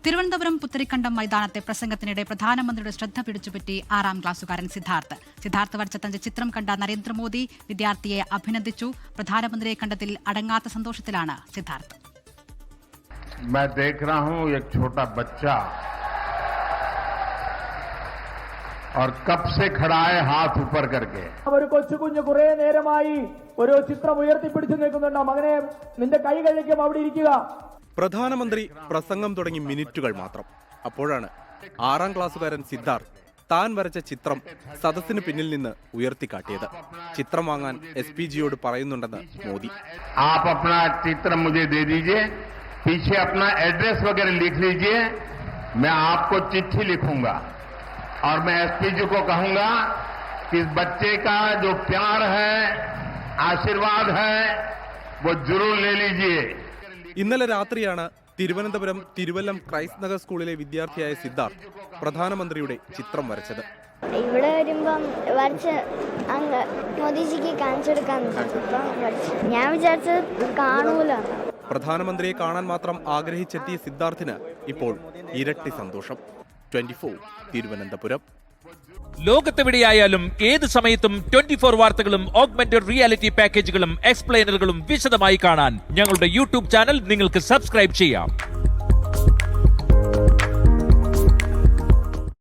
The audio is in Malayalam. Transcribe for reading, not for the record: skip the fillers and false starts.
തിരുവനന്തപുരം പുത്തരിക്കണ്ടം മൈതാനത്തെ പ്രസംഗത്തിനിടെ പ്രധാനമന്ത്രിയുടെ ശ്രദ്ധ പിടിച്ചുപറ്റി 6ാം ക്ലാസ്സുകാരൻ സിദ്ധാർത്ഥ് വരച്ച തന്റെ ചിത്രം കണ്ട നരേന്ദ്രമോദി വിദ്യാർത്ഥിയെ അഭിനന്ദിച്ചു. പ്രധാനമന്ത്രിയെ കണ്ടതിൽ അടങ്ങാത്ത സന്തോഷത്തിലാണ് സിദ്ധാർത്ഥ്. मैं देख रहा हूं एक छोटा बच्चा और कब से खड़ा है हाथ ऊपर करके. ഒരു കൊച്ചുകുഞ്ഞ് കുറെ നേരമായി ഒരു ചിത്രം ഉയർത്തിപ്പിടിച്ചു നിൽക്കുന്നുണ്ട്. മകനെ, നിന്റെ കൈ കഴിക്കും, അവിടെ ഇരിക്കുക. പ്രധാനമന്ത്രി പ്രസംഗം തുടങ്ങി മിനിറ്റുകൾ മാത്രം. അപ്പോഴാണ് 6ാം ക്ലാസ്സുകാരൻ സിദ്ധാർത്ഥ് താൻ വരച്ച ചിത്രം സദസ്സിന് പിന്നിൽ നിന്ന് ഉയർത്തിക്കാട്ടിയത്. ചിത്രം വാങ്ങാൻ SPGയോട് പറയുന്നുണ്ടെന്ന് മോദി. आप अपना चित्र मुझे दे दीजिए, पीछे अपना एड्रेस वगैरह लिख लीजिए, मैं आपको चिट्ठी लिखूंगा और मैं SPG को कहूंगा कि इस बच्चे का जो प्यार है, आशीर्वाद है, वो जरूर ले लीजिए. ഇന്നലെ രാത്രിയാണ് തിരുവനന്തപുരം തിരുവല്ലം ക്രൈസ്റ്റ് നഗർ സ്കൂളിലെ വിദ്യാർത്ഥിയായ സിദ്ധാർത്ഥ് പ്രധാനമന്ത്രിയുടെ ചിത്രം വരച്ചത്. ഇവിടെ വരുമ്പം വരച്ച് അങ്ങ് മോദിജിക്ക് കാണിച്ചു കൊടുക്കാൻ ഞാൻ വിചാരിച്ചത് കാണൂല. പ്രധാനമന്ത്രിയെ കാണാൻ മാത്രം ആഗ്രഹിച്ചെത്തിയ സിദ്ധാർത്ഥിന് ഇപ്പോൾ ഇരട്ടി സന്തോഷം. 24 തിരുവനന്തപുരം. ലോകത്തെവിടെയായാലും ഏത് സമയത്തും 24 വാർത്തകളും ഓഗ്മെന്റഡ് റിയാലിറ്റി പാക്കേജുകളും എക്സ്പ്ലെയിനറുകളും വിശദമായി കാണാൻ ഞങ്ങളുടെ യൂട്യൂബ് ചാനൽ നിങ്ങൾക്ക് സബ്സ്ക്രൈബ് ചെയ്യാം.